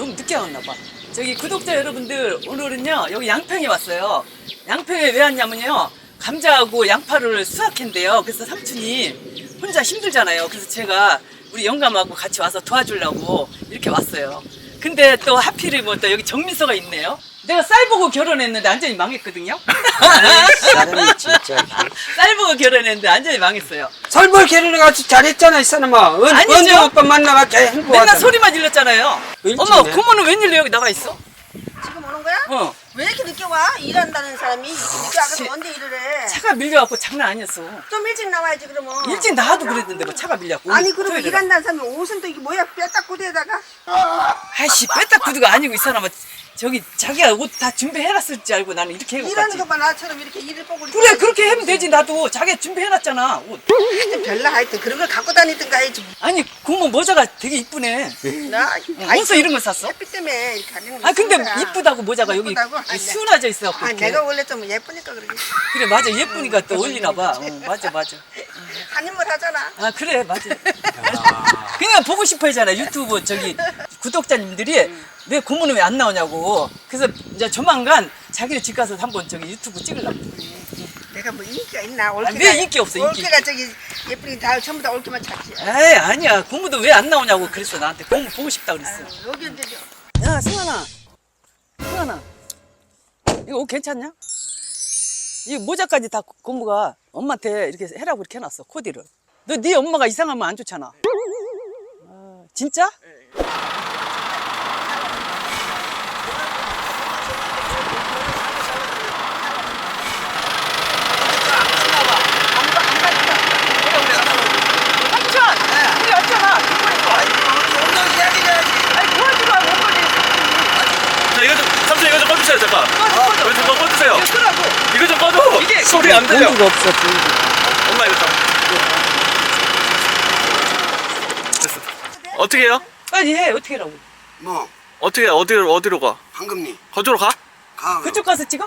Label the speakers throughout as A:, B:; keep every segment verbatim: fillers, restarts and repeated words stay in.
A: 너무 늦게 왔나 봐. 저기 구독자 여러분들, 오늘은요 여기 양평에 왔어요. 양평에 왜 왔냐면요, 감자하고 양파를 수확했는데요. 그래서 삼촌이 혼자 힘들잖아요. 그래서 제가 우리 영감하고 같이 와서 도와주려고 이렇게 왔어요. 근데 또 하필이 뭐 또 여기 정민서가 있네요. 내가 쌀 보고 결혼했는데 완전히 망했거든요.
B: 사람이 진짜.
A: 쌀 보고 결혼했는데 완전히 망했어요.
B: 설벌 결혼해가지고 잘했잖아 이 사람아. 은,
A: 아니죠.
B: 언제 오빠 만나가지고 행복하잖아.
A: 맨날 소리만 질렀잖아요.
B: 일찍이네.
A: 엄마, 고모는 웬일로 여기 나와 있어?
C: 지금 오는 거야?
A: 어.
C: 왜 이렇게 늦게 와? 일한다는 사람이 이렇게 늦게 와서 언제 일을 해?
A: 차가 밀려갖고 장난 아니었어.
C: 좀 일찍 나와야지 그러면.
A: 일찍 나와도 그랬는데 뭐 차가 밀려갖고.
C: 아니 그러면
A: 토요일에.
C: 일한다는 사람이 옷은 또 이게 뭐야? 뼈딱 구대에다가?
A: 아이씨, 빼딱 구두가 아니고 이 사람아. 저기 자기가 옷 다 준비해놨을 줄 알고 나는 이렇게 해고
C: 일하는
A: 갔지.
C: 것만 나처럼 이렇게 일을 보고
A: 그래, 그렇게 하면 되지. 나도 자기가 준비해놨잖아 옷.
C: 하여튼 별나 하여튼 그런 걸 갖고 다니든가 해야지.
A: 아니, 고모 모자가 되게 이쁘네.
C: 나
A: 어디서 이런 걸 샀어?
C: 햇빛 때문에 이렇게 가리는 거
A: 아 근데
C: 쓰는 거야.
A: 이쁘다고 모자가 여기
C: 이쁘다고? 아니,
A: 수납져 있어.
C: 아 내가 원래 좀 예쁘니까 그러지.
A: 그래, 맞아. 예쁘니까 또 어울리나 봐. 어, 맞아, 맞아.
C: 한 인물 하잖아.
A: 아 그래, 맞아. 그냥 보고 싶어 하잖아. 유튜브 저기 구독자님들이 왜 고모는 왜 안 나오냐고. 그래서 이제 조만간 자기네 집 가서 한번 저기 유튜브 찍으려고.
C: 내가 뭐 인기가 있나?
A: 아, 왜 인기 없어, 인기.
C: 올케가 저기 예쁘니 다 전부 다 올케만 찾지.
A: 에이, 아니야. 고모도 왜 안 나오냐고 그랬어. 나한테 고모 보고 싶다 그랬어.
C: 아유, 여기 언제
A: 야, 승환아. 승환아. 이거 옷 괜찮냐? 이 모자까지 다 고모가 엄마한테 이렇게 해라고 이렇게 해놨어. 코디를. 너 네 엄마가 이상하면 안 좋잖아. 아, 진짜? 우리 왔잖아. 아니, 도와주러 온 거지.
D: 자, 이거 좀, 삼촌 이거 좀 꺼주세요, 잠깐.
A: 꺼줘, 꺼줘.
D: 이거 좀 꺼주세요.
A: 이거 끄라고.
D: 이거 좀 꺼줘.
A: 이게
D: 소리 안 들려.
B: 공기가 없어 공기.
D: 엄마 이거 좀. 됐어. 어떻게 해요?
A: 빨리 해. 어떻게 하라고.
E: 뭐
D: 어떻게 해? 어디로, 어디로 가?
E: 황금리
D: 거주로 가?
E: 가.
A: 그쪽 가서 찍어?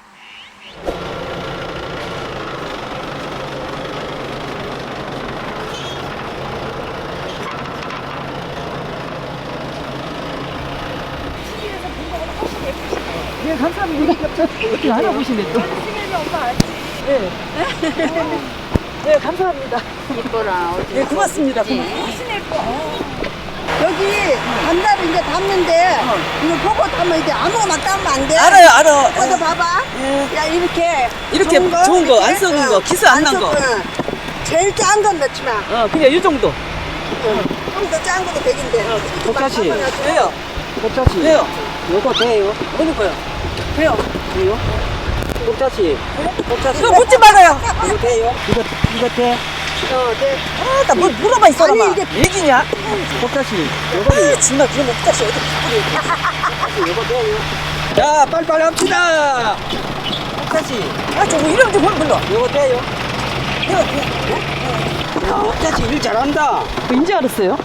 A: 네, 감사합니다. 어떻게 알아보시네, 또. 네. 네, 감사합니다.
C: 이뻐라.
A: 네, 고맙습니다. 고맙습니다.
C: 여기 반달을 이제 담는데 이거 보고 담으면 이제 아무거나 담으면 안 돼.
A: 알아요, 알아.
C: 이거 봐봐.
A: 예.
C: 야 이렇게
A: 이렇게 좋은 거, 안 썩은 거, 기스 안 난 거.
C: 제일 짠 건 넣지 마.
A: 어, 그냥 이 정도.
C: 좀 더 짠 것도 백인데.
B: 똑같이.
A: 왜요?
B: 꽃자씨.
A: 왜요?
B: 요거 돼요?
A: 어느 거요? 왜요?
B: 돼요? 꽃자씨. 꽃자씨.
A: 이거 묻지 말아요.
B: 이거 돼요? 이거 이거 돼?
C: 어, 네.
A: 아, 나 뭘 물어봐, 이 사람아.
C: 아니, 이게-
A: 얘기냐?
B: 꽃자씨. 요거
A: 아, 정말 그런 목다시 어디 바꾸려.
B: 요거 돼요? 자 빨리빨리 합시다. 꽃자씨.
A: 아, 저거 이름 좀 불러.
B: 요거 돼요?
A: 이거, 이거.
B: 야 꽃자씨 일 잘한다.
A: 인지 알았어요?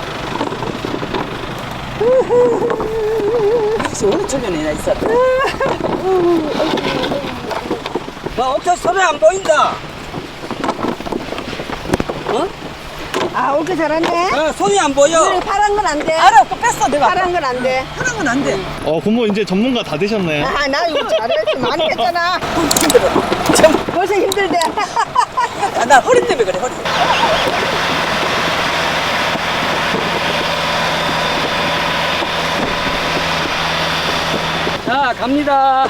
A: 혹시 어느 쪽이냐, 이 사람?
B: 나 어째 손에 안 보인다. 어?
C: 아, 올게 잘하네.
B: 야, 손이 안 보여.
C: 이거 파란 건 안 돼.
A: 알아, 그거 뺐어, 내가.
C: 파란 건 안 돼.
A: 파란 건 안 돼.
D: 어, 고모 이제 전문가 다 되셨네.
C: 아, 나 이거 잘했지. 많이 했잖아.
A: 힘들어. 참,
C: 벌써 힘들대.
A: 아, 나 허리 때문에 그래, 허리.
B: 자 갑니다.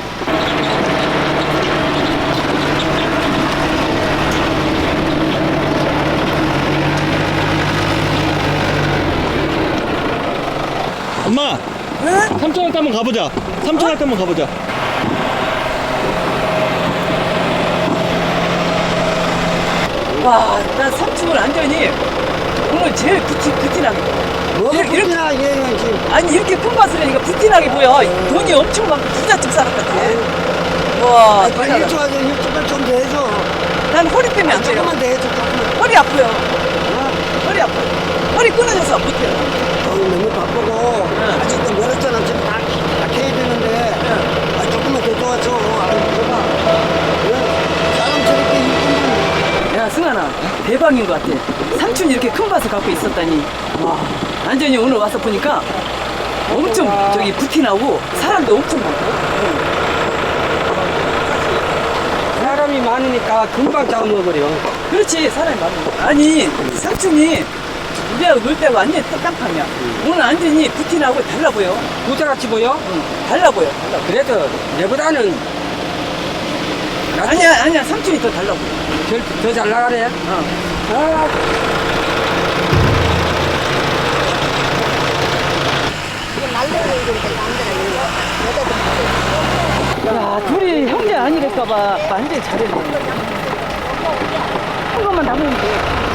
D: 엄마,
A: 응?
D: 삼촌한테 한번 가보자. 삼촌한테 한번 가보자.
A: 와, 나 삼촌을 완전히 오늘 제일 부티, 부티나게.
B: 뭐가
A: 이렇게- 이렇게-
B: 붙이나 얘는 지금.
A: 아니, 이렇게 큰 밭을 하니까 부티나게 보여. 돈이 엄청 많고 부잣집 사람 같아. 와,
B: 빨리
A: 대단하다.
B: 일찍 와서 일찍을 좀 더 해줘.
A: 난 허리 때문에 안 돼요.
B: 조금만 더 해줘 조금만.
A: 허리 아파요. 허리 아파요. 허리 끊어져서 못해요.
B: 어, 너무 바쁘고 아직도 멀었잖아. 지금 다, 다 캐야 되는데 아, 조금만 더 도와줘. 아이고 줘봐. 응? 사람 저렇게 이쁘면
A: 야, 승환아, 대박인 것 같아. 삼촌이 이렇게 큰 밭을 갖고 있었다니. 와, 완전히 오늘 와서 보니까 엄청 저기 부티나고 사람도 엄청 많고.
B: 사람이 많으니까 금방 잡아먹어요.
A: 그렇지, 사람이 많아. 아니, 삼촌이 우리하고 놀 때가 완전히 깜깜이야. 오늘 완전히 부티나고 달라 보여.
B: 부자같이 보여?
A: 응, 달라 보여, 달라 보여.
B: 그래도 내보다는
A: 아니야, 아니야, 삼촌이 더 달라 보여.
B: 더 잘 나가네.
A: 어.
B: 아,
C: 이거 날려야 이러니까 남자가 이거.
A: 야, 둘이 형제 아니랄까봐 완전히 잘했네. 한 것만 남으면 돼.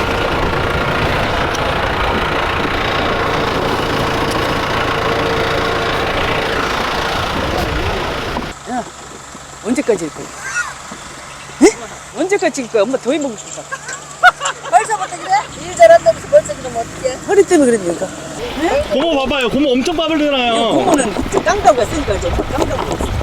A: 야, 언제까지 할 거야? 에? 언제까지 할 거야? 엄마 더위 먹고 싶다.
C: 벌써부터 그래? 일 잘한다면서 벌써 그러면 어떡해?
A: 허리 때문에 그랬니까.
D: 고모 봐봐요. 고모 엄청
A: 이거
D: 빠르잖아요.
A: 고모는 깡다구가 쓰니까 이제 깡다구가 있어.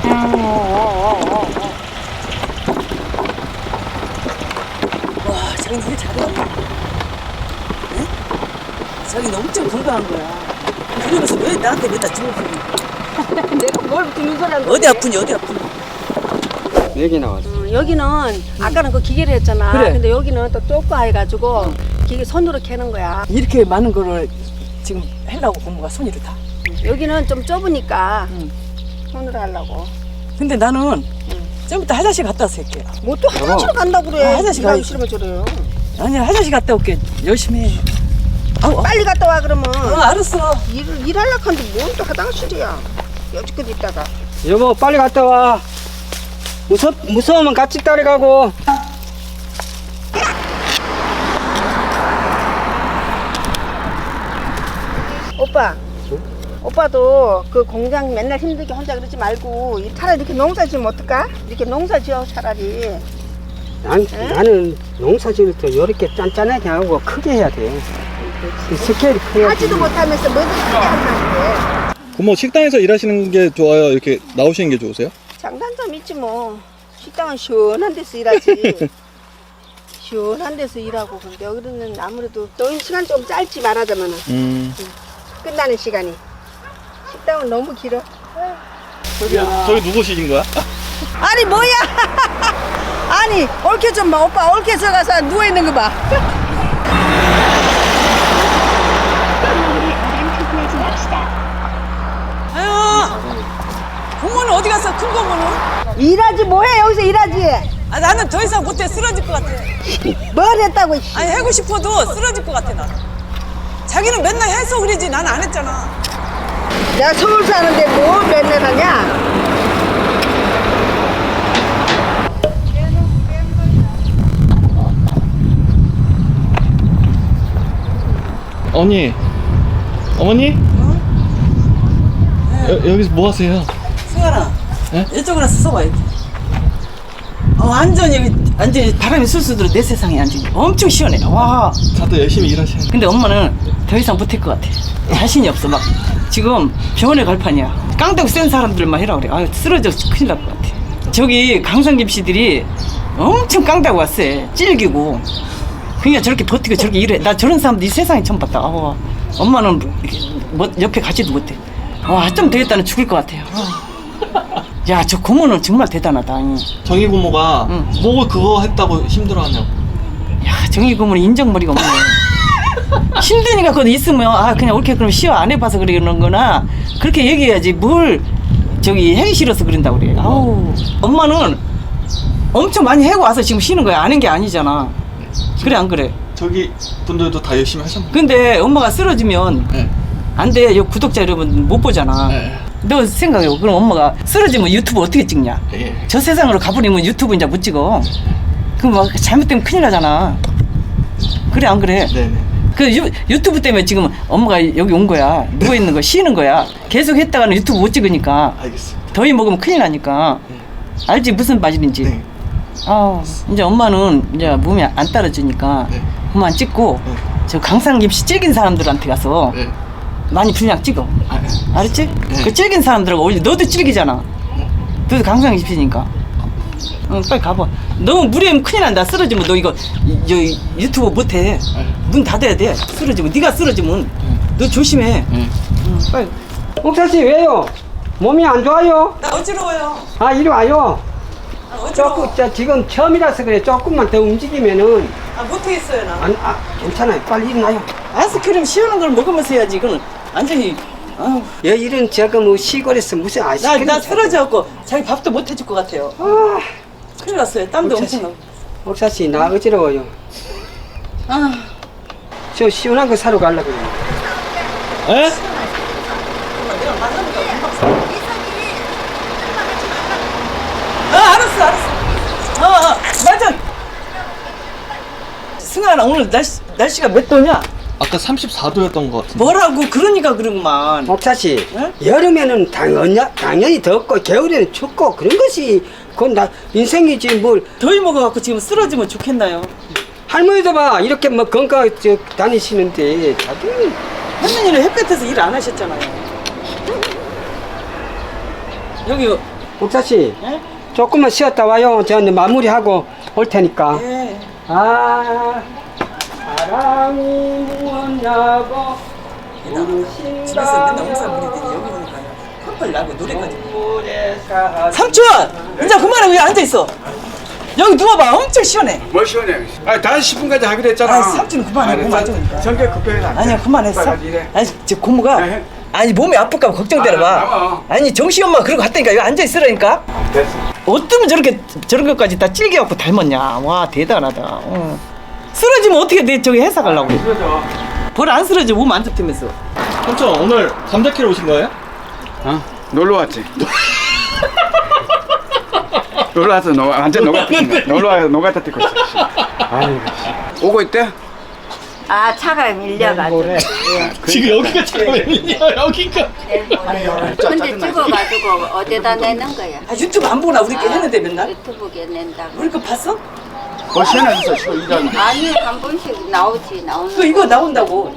A: 와, 자기는 일 잘해. 응? 자기는 엄청 건강한 거야. 그러면서 왜 나한테 맨날 주먹 부리니?
C: 내가 뭘 주는 소리야?
A: 어디 아프니, 어디 아프니?
B: 여기 나왔어.
C: 어, 여기는 아까는 그 기계를 했잖아.
A: 그래.
C: 근데 여기는 또 좁고 해가지고 기계 손으로 캐는 거야.
A: 이렇게 많은 거를 지금 하려고 고모가 손이 다.
C: 여기는 좀 좁으니까
A: 응.
C: 손으로 하려고.
A: 근데 나는 좀 이따 화장실 갔다 와서 할게.
C: 뭐 또 화장실 간다고 그래.
A: 아, 화장실
C: 일하기
A: 가야지.
C: 싫으면 저래요.
A: 아니야, 화장실 갔다 올게. 열심히 해. 아우,
C: 빨리 갔다 와 그러면.
A: 어, 알았어.
C: 일을 일하려고 하는데 뭔 또 화장실이야. 여지껏 있다가.
B: 여보 빨리 갔다 와. 무서 무서우면 같이 따라가고.
C: 오빠. 오빠도 그 공장 맨날 힘들게 혼자 그러지 말고 차라리 이렇게 농사 지으면 어떨까? 이렇게 농사 지어 차라리.
B: 난 나는 농사 지을 때 이렇게 짠짠하게 하고 크게 해야 돼. 이 스케일이 커야
C: 하지도 못하면서 뭐든 크게 한다는 게.
D: 고모 식당에서 일하시는 게 좋아요? 이렇게 나오시는 게 좋으세요?
C: 장단점 있지 뭐. 식당은 시원한 데서 일하지. 시원한 데서 일하고. 근데 여기는 아무래도 또 시간 좀 짧지 말하자면은
D: 음.
C: 끝나는 시간이. 식당은 너무 길어.
D: 저기 누구시신 거야?
C: 아니 뭐야? 아니 옳게 좀 봐. 오빠 옳게 서가서 누워 있는 거 봐.
A: 아유, 고모는 어디 갔어? 큰 고모는?
C: 일하지 뭐해 여기서 일하지.
A: 아, 나는 더 이상 못해. 쓰러질 것 같아.
C: 뭘 했다고. 씨.
A: 아니, 하고 싶어도 쓰러질 것 같아, 나. 자기는 맨날 해서 그러지. 난 안 했잖아.
C: 내가 서울 사는데 뭘 맨날 하냐?
D: 언니. 어머니? 여, 여기서 뭐 하세요?
A: 승환아,
D: 네?
A: 이쪽으로 와서 써봐, 이렇게. 어, 완전히, 여기, 완전히 바람이 술술 들어, 내 세상에 완전히. 엄청 시원해. 와.
D: 다들 열심히 일하시는.
A: 근데 엄마는 더 이상 못할 것 같아. 자신이 없어. 막, 지금 병원에 갈 판이야. 깡다구 센 사람들만 해라 그래. 아유, 쓰러져 큰일 날 것 같아. 저기 강상김씨들이 엄청 깡다구 왔어. 찔기고. 그러니까 저렇게 버티고 저렇게 일해. 나 저런 사람들 이 세상에 처음 봤다. 아, 엄마는 뭐, 옆에 가지도 못해. 와, 좀 되겠다는 죽을 것 같아요. 야, 저 고모는 정말 대단하다.
D: 정희 고모가
A: 응.
D: 뭐 그거 했다고 힘들어하냐고.
A: 야, 정희 고모는 인정머리가 없네. 힘드니까 그거 있으면 아 그냥 옳게 그럼 쉬어 안 해봐서 그러는 거나 그렇게 얘기해야지 뭘 저기 하기 싫어서 그런다고 그래. 아우, 엄마는 엄청 많이 해고 와서 지금 쉬는 거야. 아는 게 아니잖아. 그래 안 그래?
D: 저기 분들도 다 열심히 하셨나요?
A: 근데 엄마가 쓰러지면
D: 네.
A: 안 돼. 요 구독자 여러분 못 보잖아.
D: 네.
A: 너 생각해. 그럼 엄마가 쓰러지면 유튜브 어떻게 찍냐?
D: 예.
A: 저 세상으로 가버리면 유튜브 이제 못 찍어. 그럼 막 잘못되면 큰일 나잖아. 그래 안 그래?
D: 네네.
A: 그 유, 유튜브 때문에 지금 엄마가 여기 온 거야. 누워 있는 거 쉬는 거야. 계속 했다가는 유튜브 못 찍으니까
D: 알겠습니다.
A: 더위 먹으면 큰일 나니까. 알지 무슨 바질인지.
D: 네.
A: 아 이제 엄마는 이제 몸이 안 따라주니까
D: 네.
A: 그만 찍고
D: 네.
A: 저 강상김씨 찔긴 사람들한테 가서
D: 네.
A: 많이 분량 찍어.
D: 아, 네.
A: 알았지?
D: 네.
A: 그 찔긴 사람들하고 어울려. 너도 찔기잖아. 너도 강상김씨니까. 응, 빨리 가봐. 너무 무리하면 큰일 난다. 쓰러지면 너 이거 이, 저 유튜브 못해. 문 닫아야 돼. 쓰러지면 네가 쓰러지면 너 조심해.
D: 네.
A: 응. 빨리.
B: 옥사씨 왜요? 몸이 안 좋아요?
A: 나 어지러워요.
B: 아 이리 와요.
A: 아, 어지러워.
B: 조금 저, 지금 처음이라서 그래. 조금만 더 움직이면은
A: 아, 못하겠어요, 나.
B: 안, 아 괜찮아요. 빨리 일어나요.
A: 아이스크림 시원한 걸 먹으면서 해야지. 이거는 완전히. 아우,
B: 여 이런 저거 뭐 시골에서 무슨
A: 나,
B: 아이스크림
A: 나 쓰러져갖고 자기 밥도 못 해줄 것 같아요.
B: 아,
A: 큰일 났어요. 땀도
B: 어쩌지?
A: 엄청 나고.
B: 옥사씨 나 어지러워요.
A: 아,
B: 저 시원한 거 사러 가려고 그래요.
D: 에?
A: 아, 알았어, 알았어. 어, 어, 맞아. 승아나, 오늘 날씨, 날씨가 몇 도냐?
D: 아까 삼십사 도였던 것 같은데.
A: 뭐라고, 그러니까 그러구만.
B: 옥사씨
A: 응?
B: 여름에는 당연히, 당연히 덥고 겨울에는 춥고 그런 것이 그건 나 인생이지 뭘.
A: 더위 먹어갖고 지금 쓰러지면 좋겠나요?
B: 할머니도 봐 이렇게 뭐 건강 저 다니시는데 자기는
A: 할머니는 햇볕에서 일 안 하셨잖아요. 여기,
B: 옥사씨
A: 예?
B: 조금만 쉬었다 와요. 저는 마무리하고 올 테니까.
A: 예.
B: 아 사랑이 무엇냐고
A: 집에서 맨날 옹사 부리더니 여기 오니까 펄펄 나고 노래까지.
B: 사
A: 삼촌! 이제 그만해. 왜 앉아있어? 여기 누워봐. 엄청 시원해.
E: 뭘 시원해? 아, 다시 십 분까지 하기로 했잖아.
A: 아, 삼촌 그만해. 몸 안 좋으니까.
E: 성격 급해서 안 돼.
A: 아니야, 그만했어.
E: 빨리 이래.
A: 아니, 저 고모가
E: 네.
A: 아니 몸이 아플까 봐 걱정되나
E: 아,
A: 봐.
E: 나와.
A: 아니 정시 엄마 그러고 갔다니까 여기 앉아 있으라니까.
E: 됐어.
A: 어쩌면 저렇게 저런 것까지 다 찔겨갖고 닮았냐. 와 대단하다. 어. 쓰러지면 어떻게 내 저기 회사 가려고 그래.
E: 그러죠.
A: 벌 안 쓰러져 몸 안 좋다면서.
D: 삼촌 오늘 감자 캐러 오신 거예요?
E: 어? 놀러 왔지. 놀러 와서 노, 완전 노가다 뛴다. 놀러 와서 노가다 뛰고 있어. 아이고. 씨. 오고 있대?
C: 아 차가 밀려가지고.
D: 지금 여기가 잠깐만요. 여기가.
C: 근데 찍어가지고 어디다 내는 거야?
A: 아 유튜브 안 보나 우리 게 했는데 맨날.
C: 유튜브에 낸다고.
A: 우리 거 봤어?
E: 뭘 시원해졌어, 시원 일하는데.
C: 아니 한 번씩 나오지 나오는.
A: 그 이거 나온다고.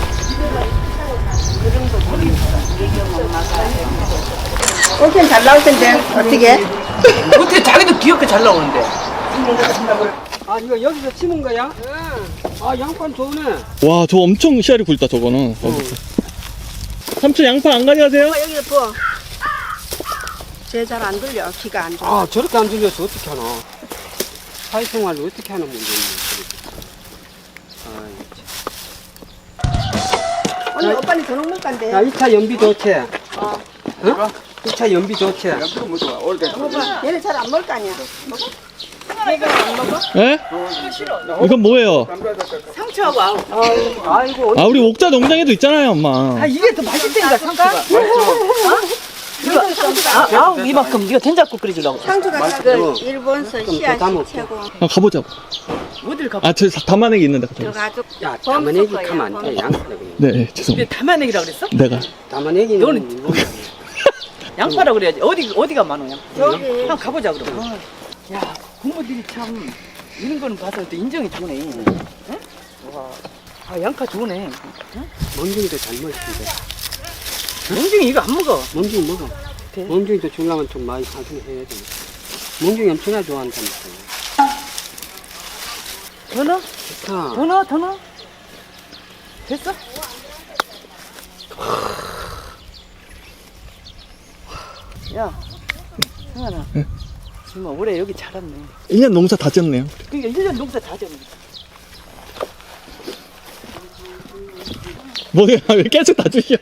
C: 오케이 잘 나올 텐데 어떻게?
A: 어떻게 자기도 귀엽게 잘 나오는데.
B: 아 이거 여기서 심은 거야? 아 양반 좋네.
D: 와, 저 엄청 씨알이 굵다 저거는. 삼촌 양파 안 가져가세요?
C: 여기다 부어. 쟤 잘 안 들려 귀가 안 좋아.
B: 아 저렇게 안 들려서 어떻게 하나. 사회생활을 어떻게 하는 문제인지.
C: 언니 오빠는 저녁 간대.
B: 야 이 차 연비 좋지?
C: 어.
B: 어? 이 차 연비 좋지?
E: 옆으로 못 와. 올 때.
C: 얘는 잘 안 먹을 거 아니야. 먹어?
D: 예? 이건 뭐예요?
A: 상추하고 아우.
B: 아이고
D: 아, 우리 옥자 농장에도 있잖아요, 엄마.
A: 아 이게 더 맛있다니까 상추가. 이거 아, 아우 이만큼 이거 된장국 끓여주려고.
C: 상주가 그 일본서
B: 더
C: 씨앗이
B: 담을게.
C: 최고.
D: 아, 가보자고.
A: 어딜 가?
D: 아, 저 담아내기 있는데. 가자.
C: 들어가지고.
B: 야 담아내기 가면 안돼 양파를 그냥.
D: 네, 네,
A: 이게
D: 죄송합니다.
A: 담아내기라 그랬어?
D: 내가.
B: 담아내기는
A: 너는
B: 이거는
A: 양파라 그래야지. 어디 어디가 많어 양?
C: 저기.
A: 한번 가보자 그럼. 아, 야 고모들이 참 이런 거는 봐서 또 인정이 되네. 응? 와, 아 양파 좋네. 응?
B: 멍둥이도 잘 먹는데
A: 영중이 이거 안 먹어.
B: 멍둥이 먹어.
A: 그래?
B: 멍둥이도 주려면 좀 많이 사주해 해야 돼. 멍둥이 엄청나 좋아한다니까.
A: 더 넣어?
B: 좋다.
A: 더 넣어? 더 넣어? 됐어? 야, 승환아. 정말 올해 여기 자랐네.
D: 일 년 농사 다 지었네요.
A: 그러니까 일 년 농사 다 졌네.
D: 뭐야, 왜 계속 다 주셔?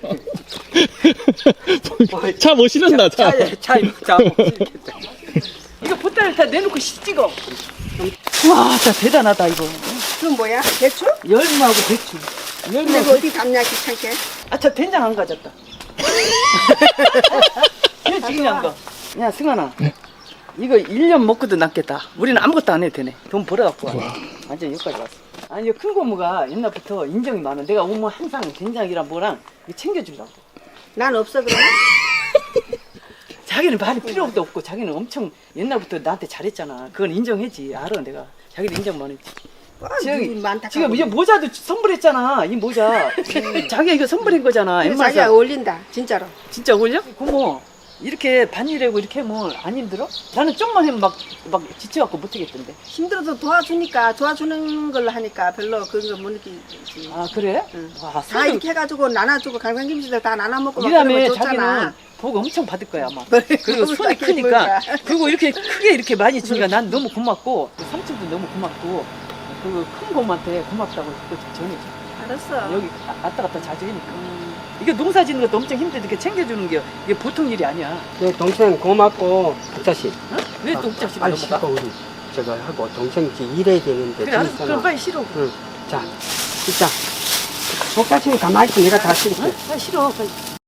D: 차 못 실은다, 차.
B: 차에 차에 차 먹겠다.
A: 이거 보따리 다 내놓고 씨 찍어. 와, 진짜 대단하다 이거.
C: 그건 뭐야? 대추?
A: 열무하고 배추.
C: 근데
A: 열무하고
C: 그 어디 담냐 귀찮게.
A: 아, 저 된장 안 가졌다. 이거 중요한 거. 야, 승환아. 이거 일 년 먹고도 남겠다. 우리는 아무것도 안 해도 되네. 돈 벌어갖고 와. 완전 여기까지 왔어. 아니, 이거 큰 고모가 옛날부터 인정이 많아. 내가 오면 항상 된장이랑 뭐랑 이거 챙겨주려고.
C: 난 없어 그래.
A: 자기는 말이 필요도 없고 자기는 엄청 옛날부터 나한테 잘했잖아. 그건 인정했지. 알아, 내가. 자기도 인정 많았지. 저기,
C: 많다.
A: 지금 이제 모자도 선물했잖아. 이 모자. 자기가 이거 선물한 거잖아.
C: 이거
A: 엠마에서.
C: 자기가 어울린다 진짜로.
A: 진짜 어울려? 고모, 이렇게 반일하고 이렇게 하면 안 힘들어? 나는 좀만 하면 막, 막 지쳐갖고 못하겠던데.
C: 힘들어도 도와주니까 도와주는 걸로 하니까 별로 그런 거 못 느끼지.
A: 아, 그래?
C: 응.
A: 와,
C: 다
A: 손을
C: 이렇게 해가지고 나눠주고 강강김치들 다 나눠 먹고 막
A: 이라면
C: 그러면
A: 자기는
C: 좋잖아.
A: 복 엄청 받을 거야, 아마.
C: 그래,
A: 그리고
C: 그걸
A: 손이
C: 자기
A: 크니까.
C: 뭐야.
A: 그리고 이렇게 크게 이렇게 많이 주니까 난 너무 고맙고, 삼촌도 너무 고맙고, 그 큰 곰한테 고맙다고 그거 좀 전해줘.
C: 알았어.
A: 여기 아- 왔다 갔다 자주 하니까. 이게 농사 짓는 것도 엄청 힘들게 이렇게 챙겨주는 게 이게 보통 일이 아니야.
B: 네, 동생 고맙고 부자씨.
A: 어? 왜 또 옥자씨
B: 빨리
A: 넘어가?
B: 씻고 우리 제가 하고 동생 이제 일해야 되는데.
A: 그래, 알았어.
B: 재밌잖아.
A: 그럼 빨리 싫어.
B: 응. 자, 진짜. 옥자씨는 가만히 있어. 내가 다 씻을게.
A: 어? 빨리 싫어. 빨리.